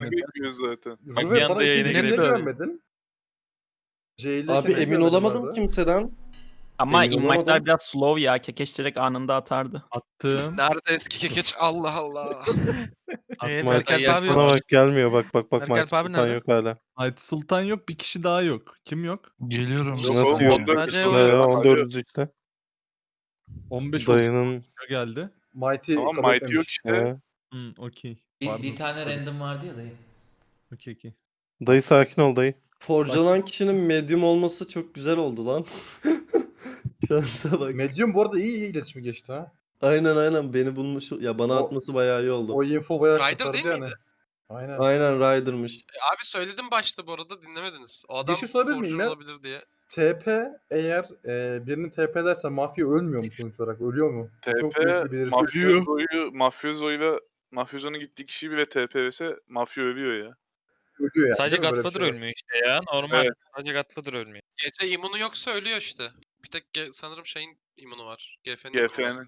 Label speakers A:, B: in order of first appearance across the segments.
A: Bekliyoruz zaten.
B: Bak bir
C: Rüve
B: anda
C: bana
B: yayına
C: ikinci niye
B: girebilir.
C: güvenmedin? C
D: Abi
C: niye
D: emin
C: güvenmedin
D: olamadım
C: bana?
D: kimseden.
E: Ama
D: Emin
E: invite'lar
D: olamadım.
E: biraz slow ya. Kekeç direkt anında atardı.
B: Attım.
F: Nerede eski kekeç? Allah Allah.
B: Attım.
F: Merkel
A: Mighty
F: abi
A: Sultan'a
F: yok.
A: bak gelmiyor. Bak
F: Merkel
A: Mighty
F: abi
A: Sultan
F: nerede?
A: yok hala.
B: Mighty Sultan yok. Bir kişi daha yok. Kim yok?
G: Geliyorum.
A: Yok
D: Nasıl
A: oğlum
D: yok?
A: 14
F: Bence
A: işte.
F: yok.
A: 14 işte.
B: 15
A: Dayının.
B: geldi.
C: Mighty
A: Tamam
C: kabul
A: Mighty yok
C: etmemiş.
A: işte.
B: Okey.
H: Bir tane random vardı ya dayı.
B: Okey.
A: Dayı sakin ol dayı.
D: Forcalan kişinin medium olması çok güzel oldu lan. Şansa bak.
C: Medium bu arada iyi iletişimi geçti ha.
D: Aynen beni bulmuş. Ya bana
C: O-
D: atması bayağı iyi oldu.
C: O info bayağı
F: Ryder
C: kurtardı
F: değil
C: yani.
F: miydi?
C: Aynen.
D: Aynen Ryder'mış.
F: Abi söyledim başta bu arada dinlemediniz. O adam
C: şey sorabilir miyim
F: forger
C: ya?
F: olabilir diye.
C: TP eğer birinin TP derse mafya ölmüyor mu sonuç olarak? Ölüyor mu? Çok büyük bir
A: TP
C: belirsizlik.
A: Mafyozo'nun gittiği kişi bile TP vs mafya ölüyor ya.
C: Ölüyor yani.
G: Sadece
C: değil mi? Böyle bir
G: Godfather
C: şey var.
G: ölmüyor işte ya. Normal.
A: Evet.
G: Sadece Godfather ölmüyor.
F: Gece imunu yoksa ölüyor işte. Bir tek sanırım şeyin imunu var. GF'nin imunu var.
A: GF'nin.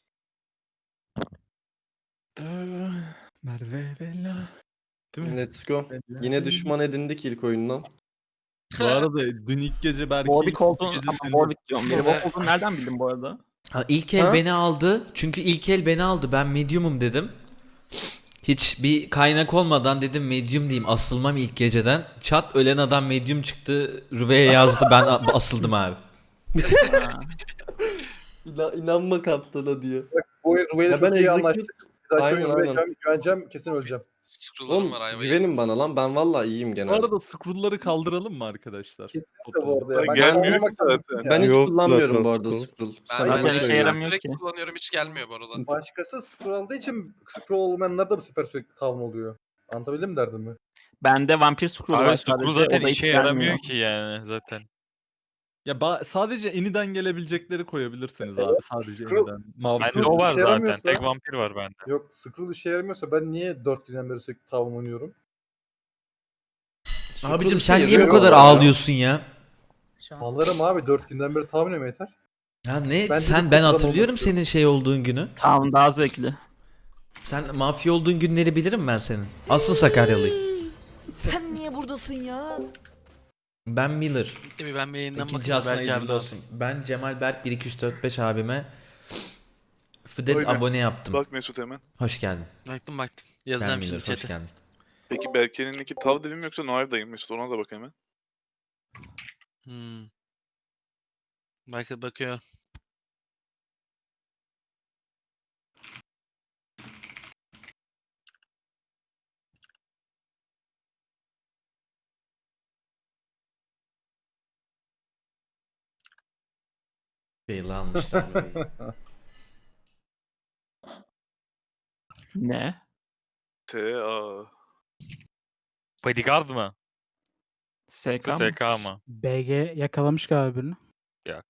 B: Merve Bella. Değil mi?
D: Let's go. Yine düşman edindik ilk oyundan.
B: Bu arada dün ilk gece belki
E: Warwick olduğunu
B: gece
E: ama
B: senin-
E: Warwick diyorum. Biri Warwick olduğunu nereden bildin bu arada?
H: Ha, ilk el
D: Ha?
H: beni aldı. Çünkü ilk el beni aldı. Ben medium'um dedim. Hiç bir kaynak olmadan dedim medium diyeyim. Asılmam ilk geceden. Çat ölen adam medium çıktı. Rüve'ye yazdı. Ben asıldım abi.
E: Ha.
D: İnanma kaptana diyor.
C: Bu oyun Rüve'yle
D: Ya ben
C: çok iyi anlaştık.
D: execute...
C: Bir dahaki
D: Aynen,
C: oyun
D: aynen.
C: Rüve'ye güveneceğim, kesin öleceğim.
F: Scroll'larım
D: Oğlum
F: var ayva
D: güvenin
F: yalnız.
D: bana lan. Ben vallahi iyiyim
B: Bu
D: genelde.
B: arada scroll'ları kaldıralım mı arkadaşlar?
C: Kesinlikle bu arada ya. Ben
A: Gelmiyor
C: kaldırmak
A: ki zaten.
C: için
D: Ben hiç
A: Yok
D: kullanmıyorum
A: zaten
D: bu arada
A: scroll.
D: scroll.
F: Ben,
D: Sen
E: Zaten
F: ben,
E: işe
F: ben
E: yaramıyor
F: direkt
E: ki.
F: kullanıyorum hiç gelmiyor bu arada.
C: Başkası scroll aldığı için scroll olmayanlar da bu sefer sürekli tavan oluyor. Anlatabildim mi derdimi?
E: Bende vampir scroll'u var
G: Abi Screw
E: sadece.
G: zaten
E: O da hiç
G: işe
E: gelmiyor.
G: yaramıyor ki yani zaten.
B: Ya sadece eniden gelebilecekleri koyabilirsiniz abi. Sadece
C: Scroll-
B: eniden. Mavi
G: Bende
C: Screw
G: o var
C: işe
G: zaten.
C: yaramıyorsa-
G: Tek vampir var bende.
C: Yok scroll işe yaramıyorsa ben niye 4 günden beri sürekli tavan oynuyorum?
H: Abicim
D: işe
H: sen niye bu
D: yarıyor
H: kadar
D: bu arada.
H: ağlıyorsun ya?
C: Alırım abi 4 günden beri tavan oynuyorum yeter.
H: Ya ne?
C: Ben
H: Ben
C: dedim, kullanmak
H: hatırlıyorum
C: istiyorum.
H: senin şey olduğun günü.
E: Tamam daha zevkli.
H: Sen mafya olduğun günleri bilirim ben senin. Asıl Sakaryalıyım.
I: Sen niye buradasın ya?
H: Ben Miller.
F: Değil mi? Ben bir yayından
H: İkinci
F: bakayım.
H: aslında
F: Belki
H: hayırlı
F: abi
H: olsun. Ben Cemal Berk 1 2 3 4 5 abime Fıdet
A: Öyle.
H: abone yaptım.
A: Bak Mesut hemen.
H: Hoş geldin.
F: Baktım.
H: Ben
F: Yazacağım
H: Miller
F: şimdi
H: hoş
F: chat'e.
H: geldin.
A: Peki Berke'ninki tav dedim yoksa Noir dayım Mesut ona da bak hemen.
F: Belki bakıyor.
H: Beyli almışlar burayı.
E: Ne?
A: T.A.
G: Bodyguard mı?
E: SK mı?
G: SK mı?
J: BG yakalamış galiba birini.
G: Yok.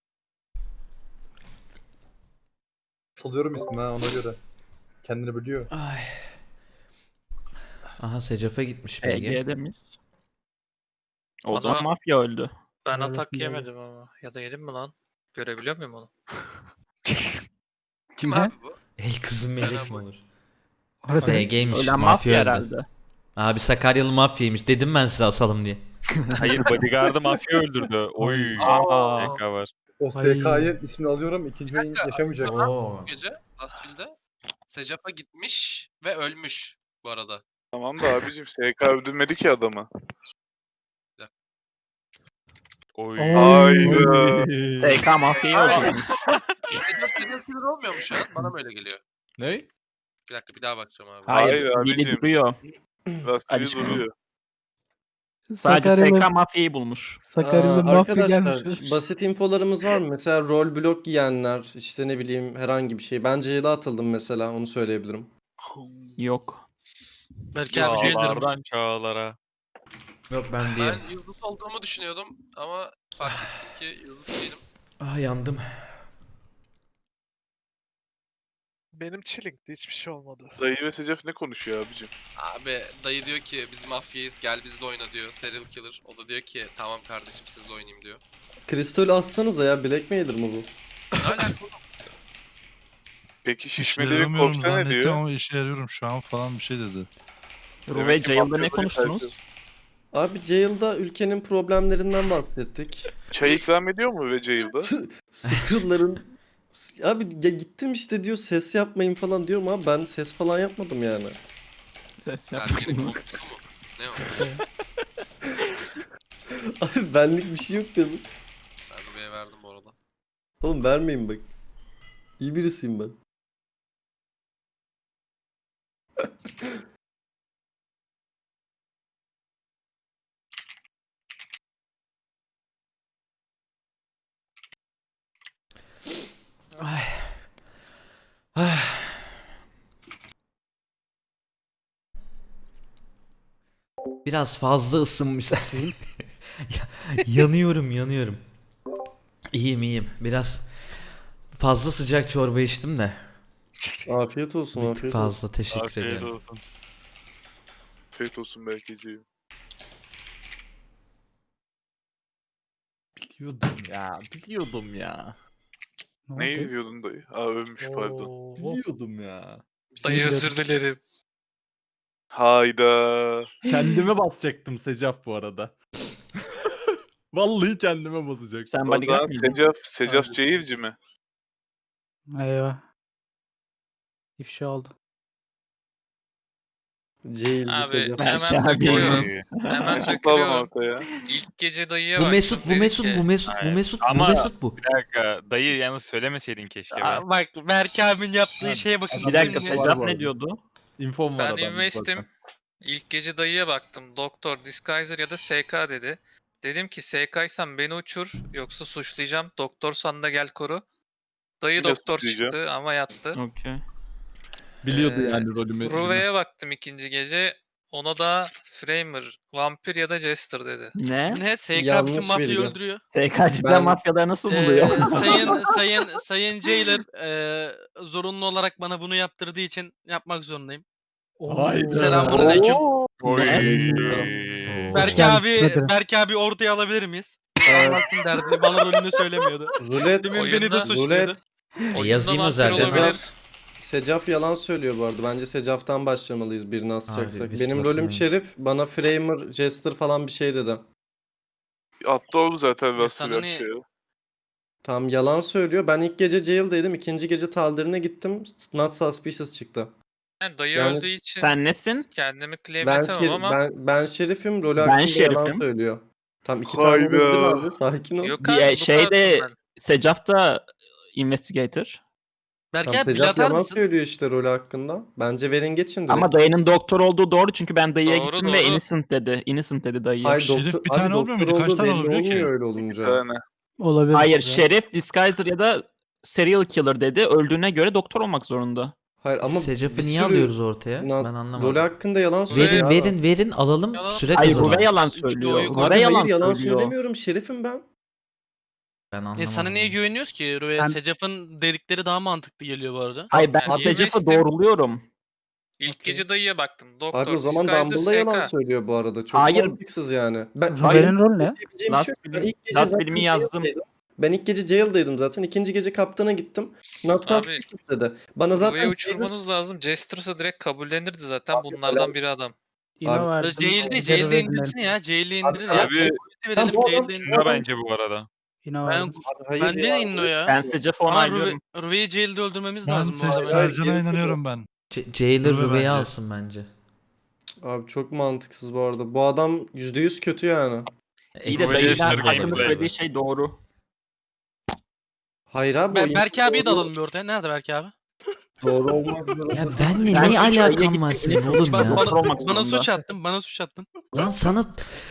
C: Salıyorum ismini ha ona göre. Kendini biliyor.
H: Ay. Aha Secaf'a gitmiş BG.
E: EG demiş. O
F: Bana-
E: zaman mafya öldü.
J: Ben atak
F: yemedim ama. Ya da yedim mi lan? Görebiliyor muyum onu? Kim
J: Ne?
F: abi bu?
H: Ey kızım melek mi
F: Fena
H: olur?
J: Orada
H: BG'ymiş
E: Ölen
H: mafya
E: mafya
H: öldü.
E: herhalde.
H: Abi Sakaryalı mafyaymış. Dedim ben size asalım diye.
G: Hayır bodyguard'ı mafya öldürdü. Oy.
E: Aa.
G: SK var.
C: O
J: Ay.
C: SK'yı ismini alıyorum. İkinci oyun yaşamayacak.
H: Oo.
F: Bu gece Lasville'de Secaf'a gitmiş ve ölmüş bu arada.
A: Tamam da abicim SK öldürmedi ki adamı.
G: Oy.
A: Hayda.
E: SK mafyayı öldürmüş.
F: Secaf serial killer olmuyor mu şu an? Bana mı öyle geliyor?
B: Ne?
F: Bir dakika bir daha bakacağım abi.
E: Hayır,
A: Hayır
E: biri
A: abicim.
E: duruyor.
A: Lastiği
E: Alişko.
A: duruyor.
E: Sadece
J: Sakaryalı,
E: SK mafyayı bulmuş.
J: Sakaryalı mafya
D: Arkadaşlar
J: gelmiş.
D: basit infolarımız var mı? Mesela rol blok giyenler işte ne bileyim herhangi bir şey. Ben C'de atıldım mesela onu söyleyebilirim.
E: Yok.
F: Belki abi şey
G: Çağlardan çağlara.
H: Yok ben değilim.
F: Ben yıldız olduğumu düşünüyordum ama fark ettim ki yıldız değilim.
H: Ah yandım.
I: Benim chilling'di hiçbir şey olmadı.
A: Dayı ve Secef ne konuşuyor abicim?
F: Abi dayı diyor ki biz mafyayız gel bizle oyna diyor serial killer. O da diyor ki tamam kardeşim sizle oynayayım diyor.
D: Kristol assanıza ya Black Mailer mı bu?
F: Ne alaka?
A: Peki
G: İşe
A: şişmeleri
G: yaramıyorum
A: korksa ne
G: zannettim
A: diyor?
G: ama işe yarıyorum şu an falan bir şey dedi.
E: Ruve
A: Demek ki
E: Jail'da
A: mafya
E: ne
A: böyle
E: konuştunuz?
D: Abi Jail'da ülkenin problemlerinden bahsettik.
A: Çay ikram ediyor mu ve Jail'da?
D: Scroll'ların abi ya gittim işte diyor ses yapmayın falan diyorum abi ben ses falan yapmadım yani.
E: Ses
F: Berke'nin
E: yapma.
F: koltuğu mu? Ne o?
D: Abi benlik bir şey yok dedim.
F: Ben Ruve'ye verdim bu arada.
D: Oğlum vermeyin bak. İyi birisiyim ben.
H: Ay. Ay. Biraz fazla ısınmış.
J: İyi misin?
H: Yanıyorum. İyiyim. Biraz fazla sıcak çorba içtim de.
D: Afiyet olsun
H: Bir tık
D: afiyet olsun.
H: fazla teşekkür
G: Afiyet
H: ederim.
G: olsun.
A: Afiyet olsun belki diyor.
B: Biliyordum ya.
J: Ne
A: Neyi
J: oldu?
A: biliyordun dayı? Aa ölmüş pardon.
B: Biliyordum ya.
I: Dayı özür dilerim.
A: Hayda.
B: Kendime basacaktım Secaf bu arada. Vallahi kendime basacaktım.
E: Sen
A: O
E: bodyguard
A: zaman
E: mıydın?
A: Secaf Jail'ci mi?
J: Eyvah. İfşa oldu.
D: Jail'de
K: Abi
D: Secaf.
K: hemen
E: Belki abi.
K: dökülüyorum.
G: Oy.
K: Hemen
A: Mesut alın
K: dökülüyorum.
A: ortaya.
K: İlk gece dayıya
H: Bu
K: baktım.
H: Mesut, bu
K: dedim
H: Mesut,
K: ki,
H: bu Mesut, bu
G: Hayır.
H: Mesut, bu
G: Ama-
H: Mesut bu.
G: Bir dakika dayı yalnız söylemeseydin keşke be.
I: Aa, bak Berke abinin yaptığı
B: Ha,
I: şeye bakın.
E: Bir dakika
B: Şimdi-
E: Secaf
B: Var bu
E: ne
B: arada.
E: diyordu?
B: İnfom var
K: Ben
B: adamda
K: investim.
B: zaten.
K: İlk gece dayıya baktım. Doktor, Disguiser ya da SK dedi. Dedim ki SK'ysan beni uçur yoksa suçlayacağım. Doktorsan da gel koru. Dayı
A: Yine
K: doktor
A: suçlayacağım.
K: çıktı ama yattı.
E: Okey.
B: Biliyordu
K: Ee,
B: yani rolümü.
K: Ruve'ye baktım ikinci gece. Ona da Framer, Vampir ya da Jester dedi.
E: Ne?
I: Ne? SK
D: Yanlış
I: bütün mafyayı
D: bilgi.
I: öldürüyor.
E: SK cidden
D: Ben-
E: mafyaları nasıl buluyor?
I: Sayın Jailer zorunlu olarak bana bunu yaptırdığı için yapmak zorundayım.
B: Hayda.
I: Selamünaleyküm.
G: Oy.
H: Oo.
I: Berke
J: geldin,
I: abi,
J: kime derim?
I: Berke abi ortaya alabilir miyiz?
D: Evet.
I: Anlatsın derdini. Bana rolünü söylemiyordu.
D: Rulet.
I: Demin beni de
K: Oyunda-
I: suçluyordu.
D: Rulet.
K: Oyunda
H: yazayım
K: vampir
H: özelden.
K: olabilir.
D: Secaf yalan söylüyor bu arada. Bence Secaf'tan başlamalıyız birini
H: Abi,
D: asacaksak.
H: biz
D: Benim rolüm
H: platinumuz.
D: Şerif. Bana Framer, Jester falan bir şey dedi.
A: Attı oğlum zaten
I: Ya
A: Rust'ı
I: sana
A: bir
I: ne-
A: şey.
D: Tam yalan söylüyor. Ben ilk gece Jail'deydim. İkinci gece Taldir'ine gittim. Not suspicious çıktı.
K: Yani dayı
D: Yani
K: öldüğü için
E: Sen nesin?
K: kendimi claim
D: Ben,
K: etemem ama
D: ben Şerif'im. Rolü
E: Ben
D: hakkında yalan
E: Şerif'im.
D: söylüyor. Tam iki tane
A: Hayda.
D: dedin abi. Sakin ol.
K: yok
E: Bir
K: abi bu
E: şeyde
K: kadar.
E: Secaf da investigator.
I: Berke
D: Tam
I: abi pil
D: Secaf
I: atar
D: yalan
I: mısın?
D: söylüyor işte rolü hakkında. Bence verin geçin direkt.
E: Ama dayının doktor olduğu doğru çünkü ben dayıya
K: Doğru,
E: gittim ve
K: doğru.
E: innocent dedi. Innocent dedi dayıya.
D: Hayır,
J: Şerif
D: doktor,
J: bir tane
D: abi
J: olmuyor
D: doktor
J: muydu? Kaç
D: olduğu
J: tane
D: belli
J: olabiliyor ki?
D: olmuyor öyle
A: Bir
D: olunca.
A: tane.
J: Olabilir.
E: Hayır,
J: size.
E: Şerif, Disguiser ya da Serial Killer dedi. Öldüğüne göre doktor olmak zorunda.
D: Hayır ama
H: Secaf'ı
D: bir
H: niye
D: sürü
H: alıyoruz ortaya?
D: na-
H: Ben
D: rolü
H: anlamadım.
D: hakkında yalan söylüyor.
K: Verin,
D: abi.
H: Verin alalım
K: Yalan-
H: süre
E: Hayır,
H: kazanalım.
E: Ruve yalan
I: Üçlü
E: söylüyor.
I: oyu-
E: Ruve
D: Abi
E: yalan
D: hayır yalan
E: söylüyor.
D: söylemiyorum. Şerif'im ben.
H: Ben anlamadım.
I: Sana niye güveniyoruz ki?
J: Sen-
I: Secaf'ın dedikleri daha mantıklı geliyor bu arada.
E: Hayır, ben
K: Yani
E: Secaf'ı
K: investim.
E: doğruluyorum.
K: İlk
I: Okey.
K: gece dayıya baktım. Doktor,
D: Abi o zaman
K: Disguiser,
D: Dumble'da yalan
K: SK.
D: söylüyor bu arada. Çok
E: Hayır.
D: mantıksız yani. Ben
J: Ruve'nin rolü ne?
D: diyebileceğim bir şey
E: Last
D: yok. Ben
E: film-
D: ilk gece
E: Last
D: zaten
E: filmi yazdım.
D: Jail'deydim. Ben ilk gece Jail'daydım zaten. İkinci gece kaptana gittim. Not
K: Abi,
D: suspicious dedi. Bana
K: Ruve'yi
D: zaten
K: uçurmanız lazım. Jester'sa direkt kabullenirdi zaten.
D: Abi,
K: Bunlardan biri adam.
J: İno
D: Abi,
J: verdim.
I: Jail'de,
J: Ruve'ye
I: Jail'de
J: dinleyelim.
I: indirsin ya. Jail'de
D: Abi,
I: indirir ya.
G: Abi
I: Verelim,
D: bu adam-
I: Jail'de indirir.
G: Şuna bence bu arada.
J: İno
I: Ben,
J: verdim.
D: hayır
I: bence de inno ya.
E: Ben Secaf'ı
I: Ama
E: onaylıyorum.
I: Ruve'yi Jail'de öldürmemiz
J: Ben
I: lazım bu arada.
J: Sercan'a inanıyorum ben.
H: Jailer
J: Ruve
H: Ruve'yi
J: bence.
H: alsın bence.
D: Abi çok mantıksız bu arada. Bu adam %100 kötü yani.
E: İyi de
G: Ruve
E: dayının
G: Jester
E: hakkında
G: gameplay.
E: söylediği şey doğru.
D: Hayır abi o
I: Berke abiyi de
D: doğru-
I: alalım bir ortaya. Nerede Berke abi?
D: Doğru olmak zorunda.
H: Ya benle
E: Ben
H: ne
E: çünkü
H: alakam
E: öyle
H: var
E: gittim,
H: senin oğlum
I: Bana,
H: ya?
E: Doktor olmak
I: bana
E: zorunda.
I: suç attın. Bana suç attın.
H: Lan sana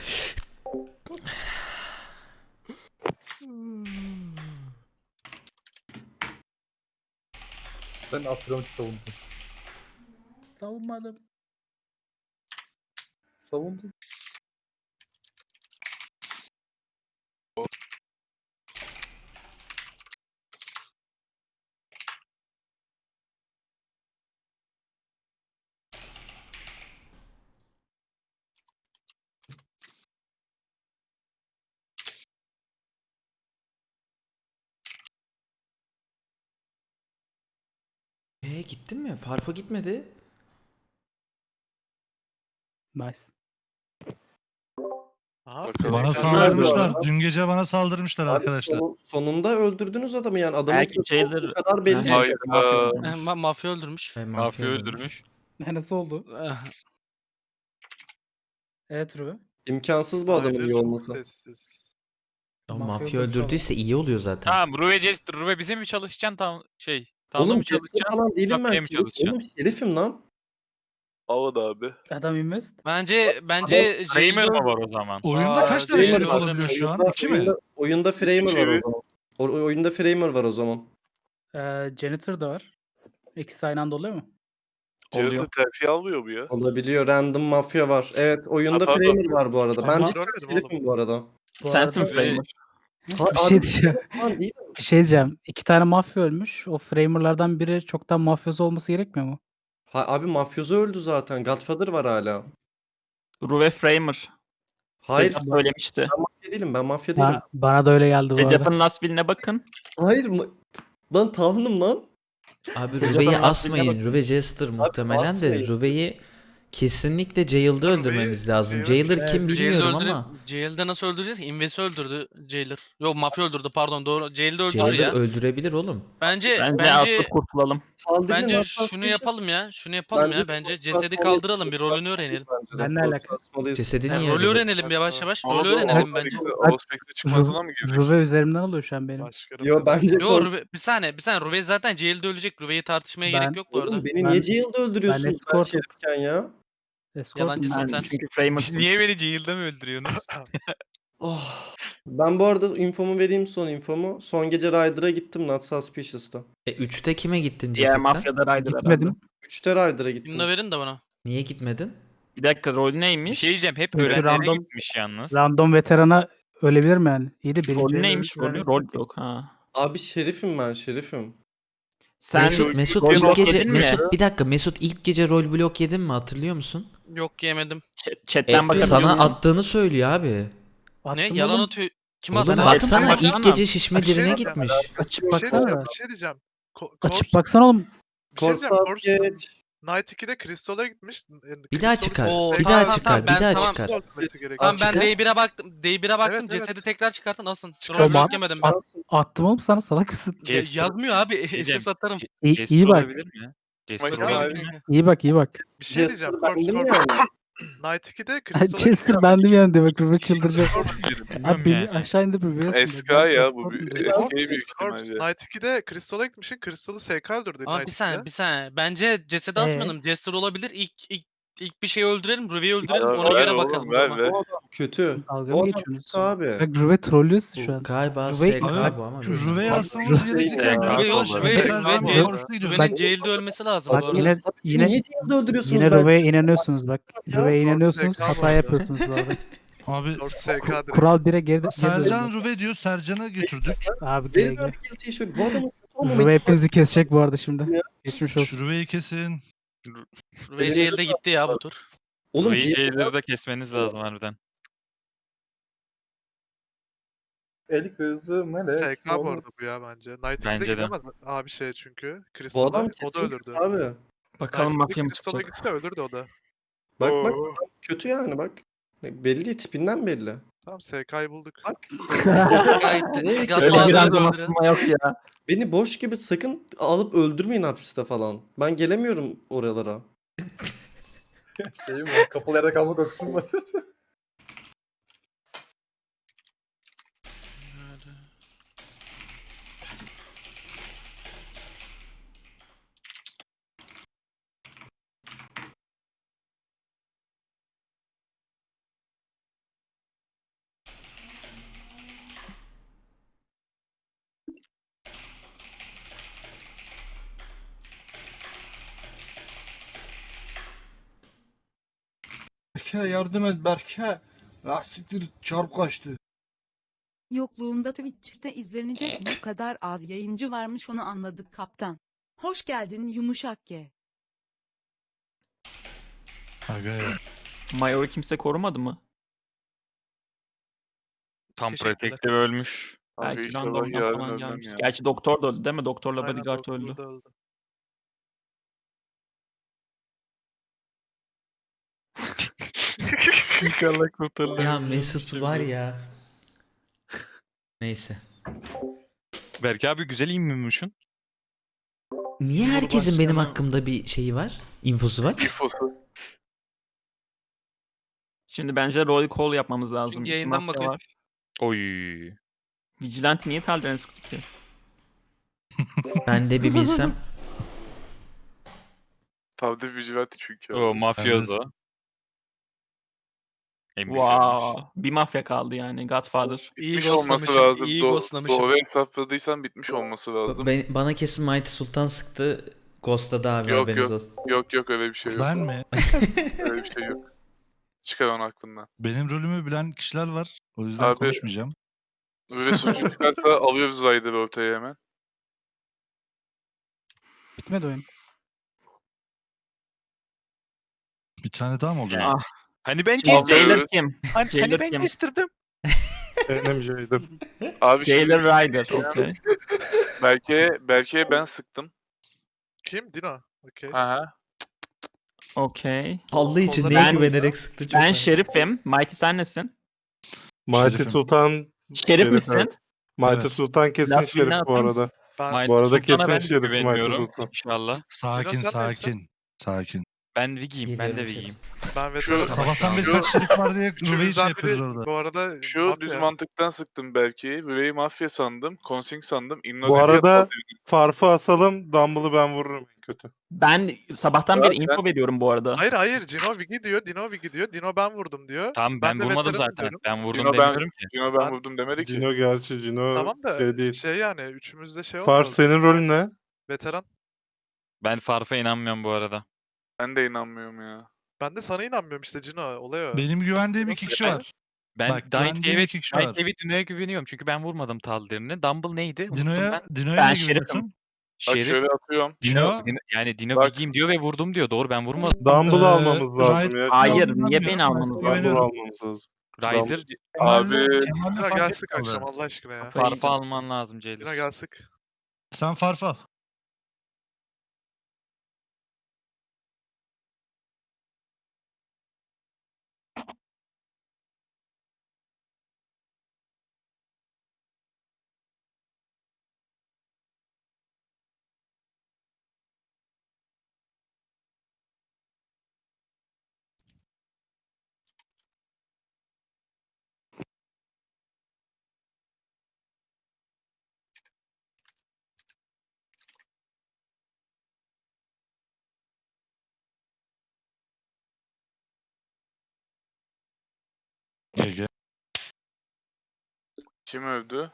C: Sen Afyon'u savundun.
J: Savunmadım.
C: Savundun.
H: gittin mi? Farfa gitmedi.
J: Nice.
A: Bakalım.
J: Bana saldırmışlar. Dün gece bana saldırmışlar
D: Abi
J: arkadaşlar.
D: sonunda öldürdünüz adamı yani. Adamın
E: Belki
D: kötü olduğu
E: Jailer-
D: kadar belli.
E: Ha,
A: Hayda.
E: mafya öldürmüş.
I: Mafya öldürmüş.
G: Mafya öldürmüş.
J: Nasıl oldu?
I: Eh,
J: Evet Ruve.
D: İmkansız bu adamın iyi olması.
A: Sessiz.
H: Ama
J: Mafya
H: mafya
J: öldürmüş
H: öldürdüyse iyi oluyor zaten.
G: Tamam Ruve Jester. Ruve bize mi çalışacaksın Tamda
D: Oğlum
G: mı
D: Jester
G: çalışacaksın?
D: falan değilim
G: Mafya'ya
D: ben.
G: mı
D: Şerif,
G: çalışacaksın?
D: oğlum şerifim lan.
A: Alan abi.
J: Adam invest.
I: Bence
G: Framer
I: Jail'de
G: mı var o zaman?
J: Oyunda kaç tane
I: Framer
J: şerif
I: var.
J: olabiliyor şu an?
D: Oyunda,
J: 2 mi?
D: oyunda Framer var o
A: İki.
D: zaman. Oyunda Framer var o zaman.
J: Janitor da var. İkisi aynı anda oluyor mu?
E: Oluyor.
A: Jared'ı terfi almıyor bu ya.
D: Olabiliyor. Random mafya var. Evet oyunda
A: pardon.
D: Framer var bu arada.
J: Ama-
D: Bence şerifim bu arada.
J: Bu
E: Sensin
J: arada-
E: Framer.
J: Bir şey diyeceğim.
D: Lan değil.
J: Bir şey diyeceğim. 2 tane mafya ölmüş. O framerlardan biri çoktan mafyozu olması gerekmiyor mu?
D: Abi mafyozu öldü zaten. Godfather var hala.
E: Ruve Framer.
D: Hayır
E: Secaf söylemişti.
D: ben mafya değilim. Ben mafya değilim.
J: Bana da öyle geldi bu arada.
E: Secaf'ın last will'ine bakın.
D: Hayır lan tahminım lan.
H: Abi
E: Recep
H: Ruve'yi
E: Hanım
H: asmayın.
E: aslında
H: Ruve Jester muhtemelen de
D: asmayın.
H: Ruve'yi kesinlikle Jail'da öldürmemiz lazım.
A: Jailer-
H: Jailer kim bilmiyorum ama
I: Jail'de nasıl öldüreceğiz? Invest'i öldürdü Jailer. Yok mafya öldürdü pardon doğru. Jail'de öldürdü
H: Jailer
I: ya.
H: öldürebilir oğlum.
I: Bence
E: Bence atlıp kurtulalım.
D: Saldırın
I: bence
D: hatta
I: şunu
D: şey-
I: yapalım ya. Şunu yapalım
D: Bence
I: ya. Bence
D: korku
I: cesedi
D: asmalıyız.
I: kaldıralım. Bir rolünü öğrenelim.
D: Bence de
J: Ben ne
D: korku
J: alaka?
D: asmalıyız.
H: Cesedi
I: Yani
H: niye
I: rolü
H: öldürdü?
I: öğrenelim yavaş yavaş.
A: Ama
I: Rolü
A: bu
I: öğrenelim bence.
A: Auspex'e çıkmasına mı girdik?
J: Ruve üzerimden alıyor şu an benim.
A: Başkanım.
D: Yo bence
I: Yo Ruve, bir saniye. Ruve zaten Jail'de ölecek. Ruve'yi tartışmaya
J: Ben-
I: gerek yok bu arada.
D: Oğlum beni
J: Ben-
D: niye jail'de öldürüyorsunuz ben
J: escortum.
D: şerifken ya?
J: Escort
I: Yalancısın
J: mu?
I: sen.
E: Çünkü Framer'sın.
G: Niye beni Jail'da mı öldürüyorsunuz?
D: Oh. Ben bu arada infomu vereyim son infomu. Son gece Ryder'a gittim Not Suspicious'ta.
H: 3'te kime gittin
E: Diğer
H: cesetten?
E: mafyada Ryder
J: Gitmedim.
E: herhalde.
D: 3'te Ryder'a gittim.
I: Bunu da verin de bana.
H: Niye gitmedin?
E: Bir dakika rol
G: Bir
E: neymiş?
G: şey diyeceğim. Hep
J: Çünkü
G: öğrenlere
J: random-
G: gitmiş yalnız.
J: Random veterana ölebilir mi yani? İyi de birinci
E: Rolü
J: ele
E: neymiş
J: öldüren-
E: rolü? Rol yok ha.
D: Abi şerifim ben şerifim.
E: Sen
H: Mesut
E: rol
H: ilk
E: blok
H: gece
E: yedin mi?
H: bir dakika Mesut ilk gece rol blok yedin mi hatırlıyor musun?
I: Yok yemedim.
E: Chatten bakabiliyor
H: Sana
E: muyum?
H: attığını söylüyor abi.
I: Ne?
J: Attım
I: Yalan
J: oğlum.
I: atıyor. Kim
H: Oğlum
I: attı?
E: Chatten
H: baksana
E: baksana.
H: ilk gece şişme
L: Bir şey
H: dirine
L: diyeceğim.
H: gitmiş.
J: Açıp
L: Bir şey
J: baksana.
L: diyeceğim,
J: da.
L: bir şey diyeceğim.
J: Açıp baksana oğlum.
L: Bir şey diyeceğim.
D: Korkmaz
L: Corpse
D: geç.
L: Night 2'de Crystal'a gitmiş.
H: Bir daha çıkar.
I: Oo,
H: Bir
I: tamam,
H: daha
I: tamam,
H: çıkar.
I: tamam,
H: Bir daha
I: tamam.
H: çıkar.
I: Tamam ben
H: Çıkar.
I: D1'e baktım. D1'e baktım.
L: Evet,
I: Cesedi
L: evet.
I: tekrar çıkartın alsın.
L: Çıkar.
I: Rol blok yemedim ben.
J: Attım oğlum sana salak mısın?
G: Jester-
I: Yazmıyor abi.
G: Diyeceğim.
I: SS atarım.
J: İyi,
G: Jester
J: iyi bak.
G: olabilir mi? Jester
A: Bakıyorum.
G: olabilir mi?
J: İyi bak iyi bak.
L: Bir şey diyeceğim.
D: Jester bendim
L: Corpse
D: yani.
L: Night 2'de Crystal'a
J: Chester bendim yani demek Ruve çıldıracak.
G: Bilmiyorum
J: Abi beni
G: yani.
J: aşağı indir Ruve'ye
A: Eski ya bu bir eski büyük
L: Corpse
A: ihtimalle.
L: Night 2'de Crystal'a gitmişsin. Crystal'ı SK öldürdü
I: Ama
L: Night
I: bir
L: 2'de.
I: saniye bir saniye. Bence cesedi asmayalım. Jester olabilir. İlk bir şey öldürelim. Ruve'yi öldürelim.
A: Ya,
I: Ona
A: ver
I: göre
A: oğlum,
I: bakalım.
A: ver,
I: Tamam.
A: ver.
D: O adam kötü.
J: Dalga
D: O
J: mı
D: adam
J: geçiyorsunuz?
D: kötü abi.
J: Bak Ruve trollüyorsun şu an.
H: Galiba
J: Ruve-
H: SK bu ama.
J: Ruve'yi asmamız
D: gerekirken
I: Ruve yok. Ruve'nin
J: Bak-
I: jail'de ölmesi lazım
J: Bak
I: bu arada.
J: yine
D: Niye
J: yine
D: jail'de öldürüyorsunuz
J: yine
D: ben?
J: Ruve'ye inanıyorsunuz bak. Ruve'ye
L: Corpse
J: inanıyorsunuz
L: SK
J: hata
L: bu arada.
J: yapıyorsunuz bu arada.
C: Abi
L: Corpse SK direkt.
J: Kural 1'e geri
C: Sercan Ruve diyor. Sercan'ı götürdük.
J: Abi
D: Verin
J: geri
D: abi guilty issue. Bu adamın kötü olmamayı-
J: Ruve hepinizi kesecek bu arada şimdi. Geçmiş olsun.
C: Şu Ruve'yi kesin.
I: Ruve jail'de gitti ya bu tur.
D: Oğlum
G: Ruve'yi
D: jail-
G: Jailer'da kesmeniz lazım harbiden.
C: El kızı melek.
L: SK bu arada bu ya bence. Night 2'de
G: Bence de.
L: gidemez abi şey çünkü.
D: Bu
L: Crystal'a
D: adam
L: o da
D: kesin
L: ölürdü.
D: kötü abi.
E: Bakalım
L: Night
E: mafya
L: 2'de
E: mı
L: Crystal'a
E: çıkacak?
L: gitse ölürdü o da.
D: Bak
A: Oo.
D: bak kötü yani bak. Belli tipinden belli.
L: Tamam SK'yı bulduk.
D: Bak.
I: Gayet
D: Nereye
E: Öyle
I: Godfather'ı
E: bir random
I: öldüren-
E: asılma yok ya.
D: Beni boş gibi sakın alıp öldürmeyin hapiste falan. Ben gelemiyorum oralara.
C: Şey mi? Kapalı yerde kalma kokusu var.
J: Berke yardım et Berke. Lastiktir çarp kaçtı.
M: Yokluğunda Twitch'te izlenecek bu kadar az yayıncı varmış onu anladık kaptan. Hoş geldin yumuşak ye.
C: Aga ya.
E: Mayor'u kimse korumadı mı?
G: Tam
I: Teşekkürler.
G: Protective ölmüş.
A: Abi
E: Belki
A: inşallah
E: randomdan
A: yarın
E: falan
A: ölmem
E: gelmiş.
A: ya.
E: Gerçi doktor da öldü değil mi? Doktorla
L: Aynen,
E: bodyguard
L: doktor
E: öldü.
L: da öldü.
A: İnşallah kurtarılır.
H: Ya Mesut var ya. Neyse.
G: Berk abi güzel inmiyormuşsun.
H: Niye herkesin benim
E: Cumhurbaşkanı-
H: hakkımda bir şeyi var? İnfosu var?
A: İfosu.
E: Şimdi bence roll call yapmamız lazım.
I: Çünkü
E: İki
I: yayından
E: mafya
I: bakıyor.
E: var.
G: Oy.
E: Vigilante niye Taldir'e sıktı ki?
H: Ben de bir bilsem.
A: Tavde Vigilante çünkü.
G: O
A: abi.
G: mafyozo. En büyük olmuş.
E: Wow. Bir mafya kaldı yani. Godfather.
I: İyi
A: Bitmiş olması
I: ghostlamışım.
A: lazım.
I: İyi ghostlamışım.
A: Doğru hesapladıysan bitmiş olması lazım.
H: Bana kesin Mighty Sultan sıktı. Ghost'ladı abi
A: Yok,
H: haberiniz
A: yok.
H: olsun.
A: Yok öyle bir şey yok.
N: Ben mi?
A: Öyle bir şey yok. Çıkar onu aklından.
N: Benim rolümü bilen kişiler var. O yüzden
A: Abi-
N: konuşmayacağım.
A: Böyle suçlu çıkarsa alıyoruz Ryder'ı ortaya hemen.
J: Bitmedi oyun.
N: Bir tane daha mı oldu?
E: Ah.
G: Hani ben
E: Şimdi
A: Alıyoruz.
E: Jailer kim?
G: Hani
E: Jailer
G: ben
E: kim?
G: kestirdim.
C: Benim Jailer.
A: Abi
E: Jailer
A: şimdi
E: Ryder. Okey.
A: belki ben sıktım.
L: Kim? Dino. Okey.
A: Ha.
E: Okey.
H: Allah için
L: Kolları-
H: neye
E: Ben-
H: güvenerek sıktı çok
E: Ben
H: merak-
E: Şerif'im. Mighty sen nesin?
C: Mighty
N: Şerifim.
C: Sultan
E: Şerif misin?
C: evet. Mighty
N: Evet.
C: Sultan kesin
E: Last
C: Şerif
E: win'e
C: bu
E: atar mısın?
C: arada.
L: Ben,
C: Bu arada
G: Sultan'a
C: kesin
G: ben de
C: Şerif Mighty
G: güvenmiyorum.
C: Sultan.
G: İnşallah.
N: Sakin
L: Cino sen neysin?
N: sakin. Sakin.
G: Ben Vigi'yim. Ben de
H: Geliyorum
G: Vigi'yim.
L: ben
A: Şu-
L: veteranım.
N: Sabahtan beri
A: Şu-
N: kaç şerif var diye Ruve'yi şey
L: Üçümüzden
N: yapıyoruz
L: biri
N: orada.
L: bu arada
A: Şu
L: mafya.
A: düz mantıktan sıktım belki. Rüveyi mafya sandım. Consing sandım.
C: Bu arada Farf'ı asalım. Dumble'ı ben vururum en kötü.
E: Ben sabahtan
A: Ya
E: beri
A: sen-
E: info veriyorum bu arada.
L: Hayır Dino Vigi diyor. Dino Vigi diyor. Dino ben vurdum diyor.
G: Tamam ben
L: de
G: vurmadım
L: veteranım
G: zaten.
L: diyorum.
G: Ben vurdum
A: Cino
G: demiyorum ki.
A: Cino ben
L: Ben-
A: vurdum demedi ki.
C: Cino gerçi Cino
L: Tamam da
C: şey değil.
L: şey yani üçümüzde şey
C: Farf
L: olmaz.
C: senin rolün ne?
L: Veteran.
G: Ben Farf'a inanmıyorum bu arada.
A: Ben de inanmıyorum ya.
L: Ben de sana inanmıyorum işte Cino. Olay o.
N: Benim güvendiğim iki kişi
G: Ben-
N: var.
G: Ben
N: Bak, güvendiğim iki kişi var.
G: Dino'ya güveniyorum çünkü ben vurmadım Taldir'ini. Dumble neydi? Unuttum
N: Dino'ya
G: ben.
N: Dino'ya
E: Ben
N: ne
E: Şerif'im.
N: güveniyorsun?
A: Bak
G: Şerif.
A: şöyle atıyorum.
N: Dino.
G: Yani Dino
A: Bak.
G: Vigi'yim diyor ve vurdum diyor. Doğru ben vurmadım.
C: Dumble'ı almamız lazım
N: Ryder-
C: ya.
E: Hayır,
N: Dumble'ı
E: niye
N: bilmiyorum,
E: beni
N: ben
E: almanız
C: Dumble'ı
N: güveniyorum.
C: almamız lazım.
G: Ryder
A: Abi-
N: Kemal'le
L: Dino
N: Farf'ı
L: gel sık
N: aldı.
L: akşam Allah aşkına ya.
G: Farf'ı alman lazım
L: Dino
G: Jailer.
L: gel sık.
N: Sen Farf'ı al. GG.
A: Kim öldü?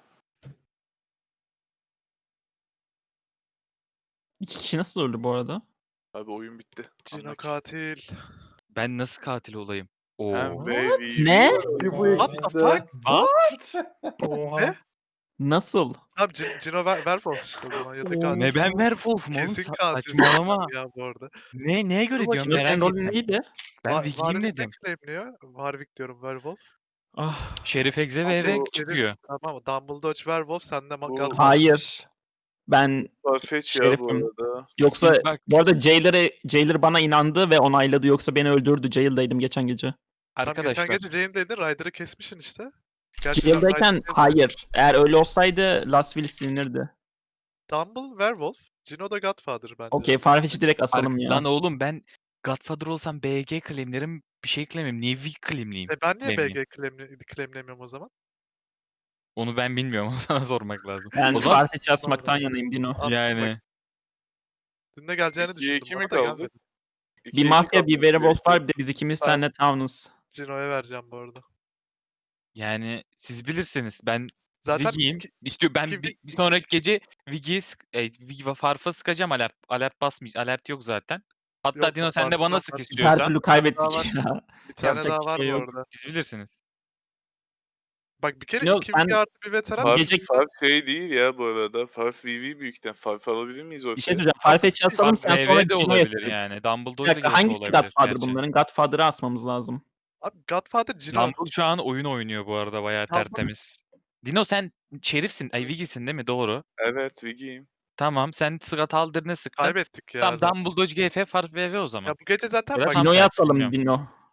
E: İki kişi nasıl öldü bu arada?
A: Abi oyun bitti.
L: Cino katil.
G: Ben nasıl katil olayım? Oo.
A: Hem baby.
E: Ne?
C: Bir bu
L: What the fuck? Ne?
E: Nasıl?
L: Abi Cino Werewolf işte o zaman ya da katil.
G: Ne ben Werewolf'um oğlum?
L: Kesin katil.
G: Saçmalama.
L: Ya bu arada.
G: Neye göre diyorum
E: Şimdi
G: merak
E: senin rolün
G: ettim.
E: neydi?
G: Ben Vigi'yim
L: Warwick
G: dedim.
L: ne claimliyor? Warwick diyorum Werewolf.
E: Ah,
G: Şerif Egze ve
L: Şey,
G: eve
L: Şerif-
G: çıkıyor.
L: Tamam Dumbledore Werewolf sen de
A: Bu-
L: Godfather.
E: hayır. Ben
A: Farfetch ya bu
E: Şerif'im.
A: arada.
E: yoksa
G: Biz bak-
E: bu arada Jailer bana inandı ve onayladı yoksa beni öldürdü. Jail'daydım geçen gece.
L: Tam
G: Arkadaşlar.
L: geçen gece Jane'deydin Ryder'ı kesmişsin işte. Gerçi
E: Jail'dayken
L: Ryder'ı-
E: hayır. Eğer öyle olsaydı Last Will silinirdi.
L: Dumble Werewolf. Cino da Godfather bence.
E: Okey, Farfetch'i direkt asalım ya.
G: Lan oğlum ben Godfather olsam BG claimlerim bir şey claimlerim. Niye Vig claimleyeyim?
L: Ben niye
G: Claimleyeyim.
L: BG claimlemiyorum o zaman?
G: Onu ben bilmiyorum. Sana sormak lazım.
E: Ben
G: O zaman
E: Farfetch'i asmaktan yanayım Dino.
L: Aslında
G: yani
L: bak, dün de geleceğini
A: 2'ye
L: düşündüm.
A: 2
L: bana
A: mi
L: da
A: kaldı?
L: gelmedi.
E: Bir mafya, bir werewolf var, bir de biz ikimiz
L: Ben-
E: seninle Town'uz.
L: Cino'ya vereceğim bu arada.
G: yani siz bilirsiniz. Ben
L: Zaten
G: Vigi'yim.
L: iki-
G: Ben
L: iki-
G: bir sonraki gece Vigi'yi Vigi ve Farf'a sıkacağım alert. Alert basmayacağım. Alert yok zaten. Hatta
L: Yok,
G: Dino sen de
L: Farf
G: bana
L: var,
G: sık
L: Farf.
E: Her
G: istiyorsan.
E: türlü
L: daha
E: kaybettik ya.
L: bir tane
E: yapacak
L: daha
E: bir
L: var
E: şey
L: bu
E: yok.
L: arada.
G: Siz bilirsiniz.
L: Bak bir kere
E: Yok,
L: 2
E: ben-
L: Vigi artı bir veteran.
A: Farf,
E: Gece-
A: Farf şey değil ya bu arada. Farf VV büyükten. Farf alabilir miyiz ortaya?
E: Bir şey söyleyeceğim. Farfetch'i asalım sen sonra
G: VV de
E: Dino'ya
G: olabilir
E: sık.
G: yani.
E: Bir
G: Dumbledore da
E: dakika,
G: gerçi
E: hangisi
G: olabilir
E: Godfather
G: gerçi.
E: bunların? Godfather'ı asmamız lazım.
L: Abi Godfather Cino.
G: Dumbledore şu an oyun oynuyor bu arada bayağı
L: Dumbledore-
G: tertemiz. Dino sen Şerif'sin. Ay Vigi'sin değil mi? Doğru.
A: Evet Vigi'yim.
G: Tamam sen Sırat Aldır'ını sıktın.
L: Kaybettik ya.
G: Tamam
L: zaten.
G: Dumbledore GF Farf VV o zaman.
L: Ya bu gece zaten
G: Ya
L: bak
G: Tam
E: Dino'ya
G: tersi
E: asalım
G: bilmiyorum.
E: Dino.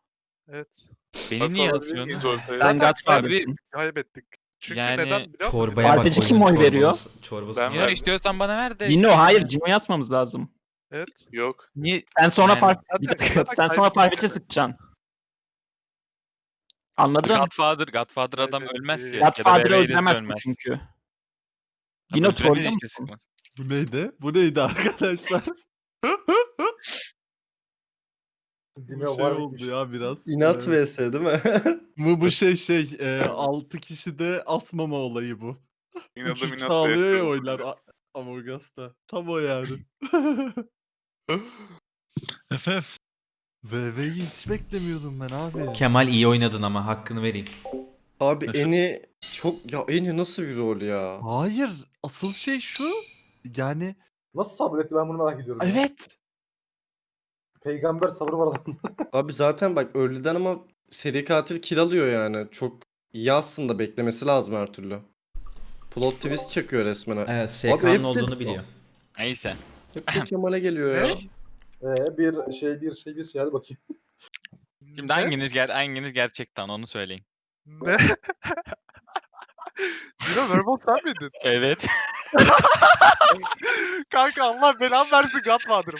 L: Evet.
G: Beni niye
A: Farfı
G: atıyorsun?
A: miyiz ortaya?
E: Ben
L: Zaten
E: Godfather.
G: Abi
L: kaybettik. Çünkü
G: Yani
L: neden biliyor musun?
H: Çorbaya bak.
E: Farfetch'i
H: oyunun
E: kim oy veriyor?
H: çorbası.
A: Ben
G: Cino
A: verdim.
G: istiyorsan bana ver de.
E: Cino hayır Cino'yu asmamız lazım.
L: Evet.
A: Yok.
G: Niye?
E: Sen sonra
G: Yani-
E: bir
L: Zaten-
E: dakika.
L: zaten
E: Sen sonra
L: kaybettik.
E: Farfetch'e sıkacaksın. Anladın?
G: Godfather adam ölmez ki.
E: Godfather'ı
G: Ya da
E: öldüremezsin
G: ölmez.
E: çünkü.
G: Dino
E: Dino trollüyor
G: işte
E: musun?
G: sıkmaz.
B: Bu neydi? Bu neydi arkadaşlar?
C: Dino
B: Bu şey
C: var
B: oldu
C: mıymış?
B: ya biraz.
D: İnat vs değil mi?
B: Bu şey 6 kişide asmama olayı bu.
A: İnadım
B: 3-3
A: inat
B: sağlıyor ya
A: vs.
B: oylar Among Us'ta. Tam o yani.
N: FF.
B: VV'yi hiç beklemiyordum ben abi.
H: Kemal iyi oynadın ama hakkını vereyim.
D: Abi
N: Efe-
D: Eni çok ya Eni nasıl bir rol ya?
B: Hayır. Asıl şey şu. Yani
C: Nasıl sabretti ben bunu merak ediyorum. ya.
B: evet.
C: Peygamber sabrı var adamın.
D: Abi zaten bak early'den ama seri katil kill alıyor yani. Çok iyi aslında, beklemesi lazım her türlü. Plot twist çakıyor resmen.
H: Evet
D: Abi
H: SK'nın
D: hep de-
H: olduğunu biliyor.
G: Neyse.
D: Hep de Kemal'e geliyor ya.
C: Bir şey hadi bakayım.
G: Şimdi hanginiz gerçekten onu söyleyin.
L: Ne? Cino Werewolf sen miydin?
G: Evet.
L: Kanka Allah belanı versin Godfather'ım.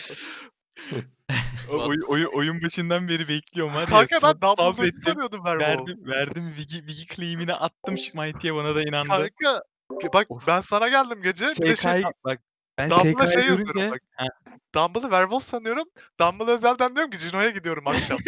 G: Oyun başından beri bekliyorum var ya.
L: Kanka ben Dumbledore'u
G: sabrettim.
L: sanıyordum Werewolf.
G: Verdim Vigi claim'ini attım Mighty'ye, bana da inandı.
L: Kanka bak
G: Of.
L: ben sana geldim gece. Bir de şey,
G: bak ben
L: Dumbledore'a
G: SK'yı
L: şey yazıyorum
G: görünce
L: bak. Dumbledore'u Werewolf sanıyorum. Dumbledore özelden diyorum ki Cino'ya gidiyorum akşam.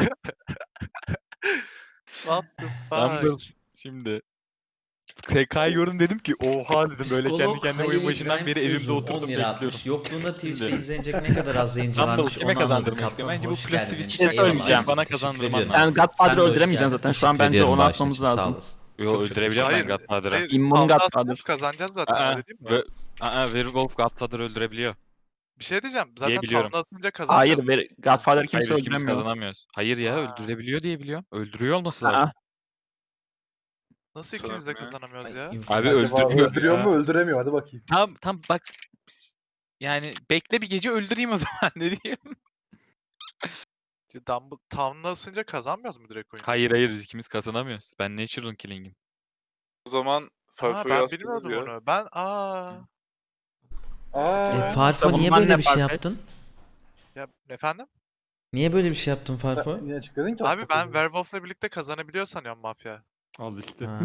L: What the
G: Dumble
L: fuck?
G: şimdi SK'yı gördüm, dedim ki oha dedim, böyle kendi
H: Psikolog
G: kendime
H: Halil
G: oyun başından
H: İbrahim
G: beri evimde
H: Uzun, 10
G: oturdum
H: lira
G: bekliyorum.
H: atmış. Yokluğunda Twitch'te
G: Şimdi.
H: izlenecek ne kadar az yayıncı
G: Dumble
H: varmış
G: kime
H: onu anladık
G: kazandırmak istiyorum?
H: kaptan.
G: Bence bu
H: Hoş
G: plot
H: geldin.
G: twist'i
E: Bir şey
H: Eyvallah,
E: söyleyeceğim.
G: bana
H: teşekkür
G: kazandırman
H: ediyorum.
G: lazım.
E: Sen Godfather'ı
H: Sen de hoş
E: öldüremeyeceksin
H: geldin.
E: zaten. Şu an
H: Teşekkür
E: bence
H: ediyorum
E: onu
H: bağışın
E: asmamız
H: için, sağ
E: lazım.
H: olasın.
G: Yo,
H: Çok
G: öldürebiliyorum ben
L: Hayır,
G: Godfather'ı.
L: hayır.
E: İmmun
L: Tavla
E: Godfather.
L: atsanız kazanacağız zaten öyle değil mi?
G: Werewolf Godfather öldürebiliyor.
L: Bir şey diyeceğim. Zaten
G: biliyorum.
L: tavla atınca kazanacağız.
E: Hayır Godfather'ı
G: Hayır,
E: kimse
G: biz ikimiz
E: öldüremiyor.
G: kazanamıyoruz. Hayır ya,
L: Ha.
G: öldürebiliyor diye biliyorum. Öldürüyor olması lazım.
E: Aa,
L: Nasıl ikimiz de
A: Sanırım ya.
L: kazanamıyoruz ya?
G: Abi
C: Acaba
G: öldürüyor.
C: öldürüyor
G: ya.
C: mu öldüremiyor hadi bakayım.
G: Tam bak. Yani bekle bir gece öldüreyim o zaman ne diyeyim.
L: Tavla asınca kazanmıyoruz mu direkt oyunu?
G: Hayır biz ikimiz kazanamıyoruz. Ben Natural Killing'im.
A: O zaman
L: Ha,
A: Farfa'yı
L: ben
A: astınız
L: bilmiyordum
A: ya.
L: onu. Ben
H: Farfo
E: Savunman
H: niye böyle
E: ne
H: bir şey
E: Farfetch?
H: yaptın?
L: ya efendim?
H: Niye böyle bir şey yaptın Farfo?
C: Sen niye açıkladın ki?
L: Abi ben Werewolf'la birlikte kazanabiliyor sanıyorum mafya.
B: Al işte.
H: Ha.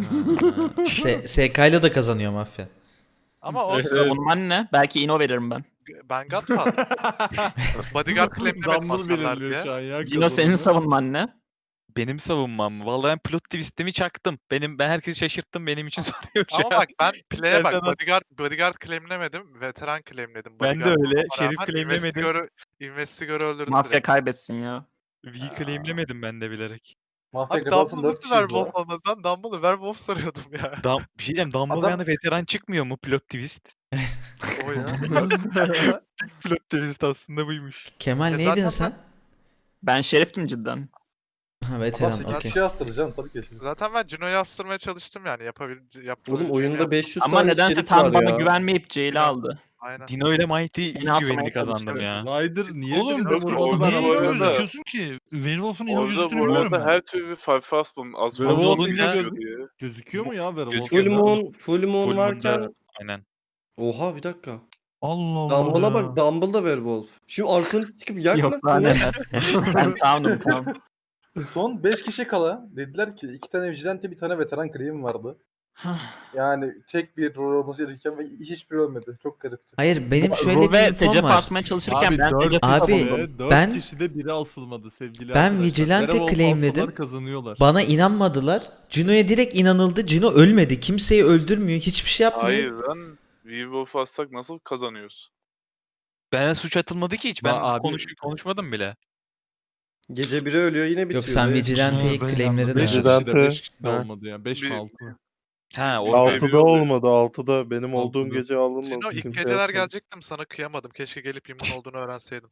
H: SK ile de kazanıyor mafya.
L: Ama o
E: savunman ne? Belki Ino veririm ben.
L: ben Godfather. Bodyguard claimlemedim
B: Dumble
L: aslanlar
B: belirliyor şu
L: diye.
B: an ya.
E: Cino senin
B: kazanını.
E: savunman ne?
G: Benim savunmam mı? Vallahi ben plot twist'imi çaktım. Ben herkesi şaşırttım. Benim için soruyor şu
L: Ama
G: an.
L: bak ben play'e bak.
G: Gerçekten-
L: Bodyguard claimlemedim. Veteran claimledim.
G: Ben de
L: Bodyguard
G: öyle,
L: olmama
G: Şerif
L: rağmen
G: claimlemedim.
L: Investigator'ı öldürdüm
E: Mafya
L: direkt.
E: kaybetsin ya.
G: V'yi claimlemedim ben de bilerek.
C: Mafya
L: Abi
C: kazansın
L: Dumbledore
C: 4
L: nasıl
C: kişiyiz
L: Werewolf
C: ya.
L: olmaz? Ben Dumbledore'u Werewolf sanıyordum ya.
G: Bir şey diyeceğim. Dumbledore'da
C: Adam-
G: yani veteran çıkmıyor mu plot twist?
L: O ya.
G: Plot twist aslında buymuş.
H: Kemal
L: E
H: neydin
L: zaten
H: sen?
E: Ben şeriftim cidden.
H: Ha,
C: Adam
H: veteran
C: 8
H: okey.
C: kişi astıracaksın tabii ki şimdi.
L: Zaten ben Cino'yu astırmaya çalıştım yani.
D: Oğlum oyunda 500
E: Ama
D: tane
E: nedense
D: içerik
E: tam
D: var
E: bana
D: ya.
E: güvenmeyip Jail'i aldı.
L: Aynen.
G: Dino ile Mighty iyi
E: Beni atmaya
G: güvenini kazandım
E: çalıştı.
G: ya.
B: Ryder niye
N: Oğlum
B: birine
A: Doktor,
B: vurmadı
A: orada
B: ben
N: Niye
A: bu
N: ino
A: arada-
B: anlamadım.
N: gözüküyorsun ki? Werewolf'un ino
A: Orada
N: gözüktüğünü
A: bu
N: biliyorum
A: arada
N: ben.
A: her türlü Farfa astım. Az
B: Werewolf
A: fazla
G: olunca-
A: gözüküyor.
B: Gözüküyor mu ya Werewolf?
D: Full moon
G: Full
D: varken
G: Moon'da- Aynen.
D: oha bir dakika.
N: Allah Allah.
D: Dumble'a bak, Dumble da Werewolf. Şimdi arkanı çıkıp
E: Yok
D: yakmasın
E: lan
D: ya.
E: neler. Ben town'um town.
C: Son 5 kişi kala dediler ki 2 tane vigilante bir tane veteran claim vardı. Yani tek bir rol olması gerekirken ve hiçbir ölmedi. Çok garipti.
H: Hayır benim şöyle bir
E: Ruve
H: infom
E: Secef
H: var.
E: asmaya çalışırken
B: Abi
E: ben
B: 4
E: Secef'i
H: Abi,
E: savundum.
H: ben-
B: kişide biri asılmadı sevgili
H: Ben
B: arkadaşlar.
H: Vigilante
B: Werewolf
H: claimledim.
B: alsalar kazanıyorlar.
H: Bana inanmadılar. Cino'ya direkt inanıldı. Cino ölmedi. Kimseyi öldürmüyor. Hiçbir şey yapmıyor.
A: Hayır lan. Werewolf assak nasıl kazanıyoruz?
G: Bana suç atılmadı ki hiç. Ben
B: abi-
G: konuşmadım bile.
D: Gece biri ölüyor yine bitiyor.
H: Yok sen
D: Evet.
H: Vigilante'yi
N: Ben
H: claimledin
B: 5
H: herhalde.
B: kişide 5 kişide olmadı yani. 5 mi
A: Bir-
B: 6 mı?
G: Ha, o
A: Altıda
G: Altıda
A: olmadı.
O: 6'da benim
B: olduğum
O: olduğum
B: Altıda.
O: gece alınmadı.
L: Cino ilk geceler gelecektim sana kıyamadım. Keşke gelip immun olduğunu öğrenseydim.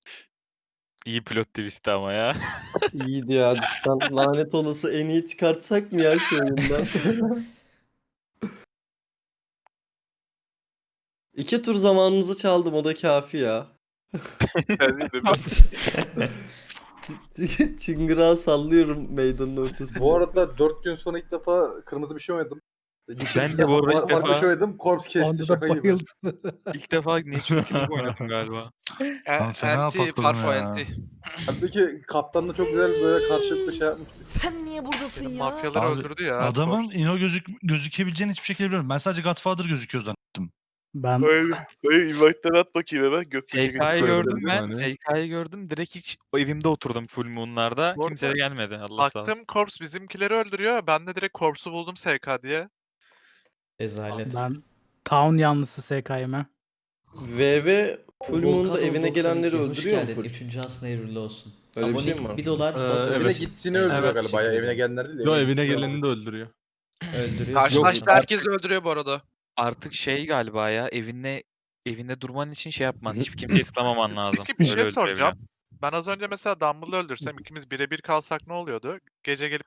G: iyi plot twist ama ya.
D: İyiydi ya cidden. Lanet olası en iyi çıkartsak mı ya şu oyundan? 2 tur zamanınızı çaldım, o da kafi ya.
A: Yani de bir-
D: Çıngırağı sallıyorum meydanın ortasında.
C: Bu arada 4 gün sonra ilk defa kırmızı bir şey oynadım.
G: Ben de bu arada ilk
C: Farklı bir
G: defa-
C: şey oynadım. Korps kesti
J: Onda da
C: şaka gibi.
J: bayıldı.
G: İlk defa Natural Killer oynadım galiba.
N: Ben fena
F: Anti,
N: patladım
F: Farfo
N: ya.
F: anti.
C: Halbuki kaptanla çok güzel böyle karşılıklı şey yapmıştık.
H: Sen niye buradasın
L: Benim
H: ya?
L: mafyaları
N: Abi,
L: öldürdü ya.
N: Adamın Ino gözükebileceğini hiçbir şekilde bilmiyorum. Ben sadece Godfather gözüküyor zannettim.
J: Ben
A: Dayı invite'ları at bakayım hemen. Gökteki
G: SK'yı
B: Şöyle
G: gördüm
B: dedim
G: ben.
B: hani.
G: SK'yı gördüm. Direkt hiç o evimde oturdum full moon'larda.
L: Bu
G: Kimse de
L: arada
G: gelmedi. Allah sağ olsun.
L: Baktım Corps bizimkileri öldürüyor. Ben de direkt Corps'u buldum SK diye.
D: Rezalet.
J: ben Town yanlısı SK'yım.
D: VV Full Moon'da evine gelenleri
H: Hoş
D: öldürüyor mu
H: geldin.
D: full?
H: 3. asına hayırlı olsun.
D: Öyle bir şey mi
H: Abonelik
D: var?
H: 1 dolar.
C: Evine
B: Evet.
C: gittiğini öldürüyor
H: Evet,
C: galiba ya.
H: teşekkür
C: Evine
H: ederim.
C: gelenler değil de.
B: Yo
C: evine
B: evine
C: gittiğini
B: geleni de öldürüyor.
H: Öldürüyor.
F: Karşılaştı herkes öldürüyor bu arada.
G: Artık şey galiba ya evinde durman için şey yapman. Hiçbir kimseyi tutamaman lazım.
L: Peki bir şey
G: Öyle öldürebilen.
L: soracağım. Ben az önce mesela Dumble'ı öldürsem ikimiz birebir kalsak ne oluyordu? Gece gelip